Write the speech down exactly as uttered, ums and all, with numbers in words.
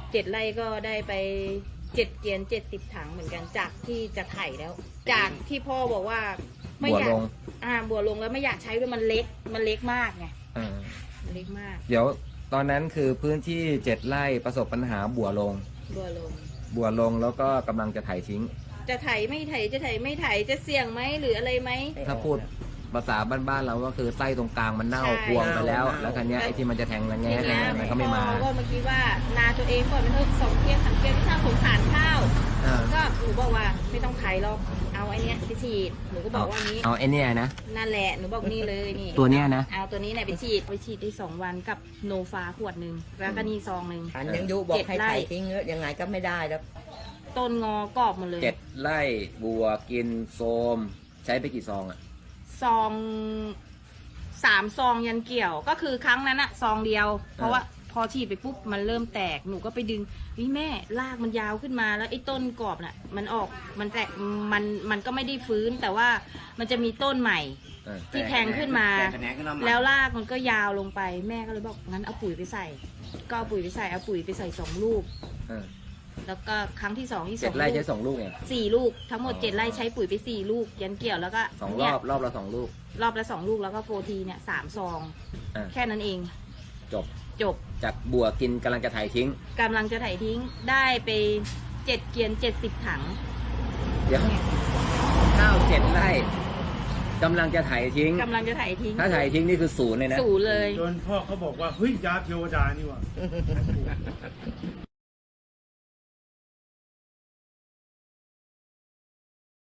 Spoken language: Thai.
เจ็ดไร่ก็ได้ไปเจ็ดเกียนเจ็ดสิบถังเหมือนกันจากที่จะไถแล้ว จากที่พ่อบอกว่าไม่อยากอ่าบัวลงแล้วไม่อยากใช้ด้วยมันเล็กมันเล็กมากไงอ่ามันเล็กมากเดี๋ยวตอนนั้นคือพื้นที่เจ็ดไร่ประสบปัญหาบัวลงบัวลงบัวลงแล้วก็กำลังจะไถทิ้งจะไถไม่ไถจะไถไม่ไถจะเสี่ยงไหมหรืออะไรไหมถ้าพูดภาษาบ้านๆเราก็คือไส้ตรงกลางมันเน่าใช่พวงไปแล้ว แล้วคันนี้ยไอ้ที่มันจะแทงระแงะทีแทงเนี้ยอะไรก็ไม่มาพ่อก็เมื่อกี้ว่านาตัวเองก่อนเป็นเถอะสองเกียนสามเกียนที่น่าสงสารข้าวอ่าก็หนูบอกว่าไม่ต้องไถหรอกเอาไอ้เนี้ยไปฉีดหนูก็บอกว่านี้เอาไอ้เนี่ยนะนั่นแหละหนูบอกนี่เลยนี่ตัวเนี้ยนะเอาตัวนี้เนี่ยไปฉีดไปฉีดได้สองวันกับโนฟาขวดหนึ่งแล้วก็นี่ซองหนึ่งฉันยังยุบอกให้เจ็ดไร่ไถทิ้งเนอะยังไงก็ไม่ได้แล้วต้นงอกรอบหมดเลยเจ็ดไร่บัวกินโซม ใช้ไปกี่ซองอ่ะซองสามซองยันเกี่ยวก็คือครั้งนั้นอะซองเดียว เพราะว่าพอฉีดไปปุ๊บมันเริ่มแตกหนูก็ไปดึงวิแม่รากมันยาวขึ้นมาแล้วไอ้ต้นกรอบน่ะมันออกมันแตกมันมันก็ไม่ได้ฟื้นแต่ว่ามันจะมีต้นใหม่เออที่แทงขึ้นมา แล้วรากมันก็ยาวลงไปแม่ก็เลยบอกงั้นเอาปุ๋ยไปใส่ ก็เอาปุ๋ยไปใส่เอาปุ๋ยไปใส่สองลูกเออแล้วก็ครั้งที่สองที่สเจ็อดงไร่ลูใช้กสองลูกเองสี่ลูกทั้งหมดอ๋อเจ็ดไร่ใช้ปุ๋ยไปสี่ลูกยันเกี่ยวแล้วก็สองรเนี่อย บรอบละสองลูกรอบละสองลูกแล้วก็โฟทีเนี่ยสามซองอ่ะแค่นั้นเองจบจบจากบัวกินกำลังจะไถทิ้งกำลังจะไถทิ้งได้ไปเจ็ดเกียนเจ็ดสิบถังเดี๋ยวข้าวเจ็ดไร่กำลังจะไถทิ้งกำลังจะไถทิ้งถ้าไถทิ้งนี่คือศูนย์เลยนะศูนย์เลยจนพ่อเขาบอกว่าเฮ้ยยาเทวดานี่หว่า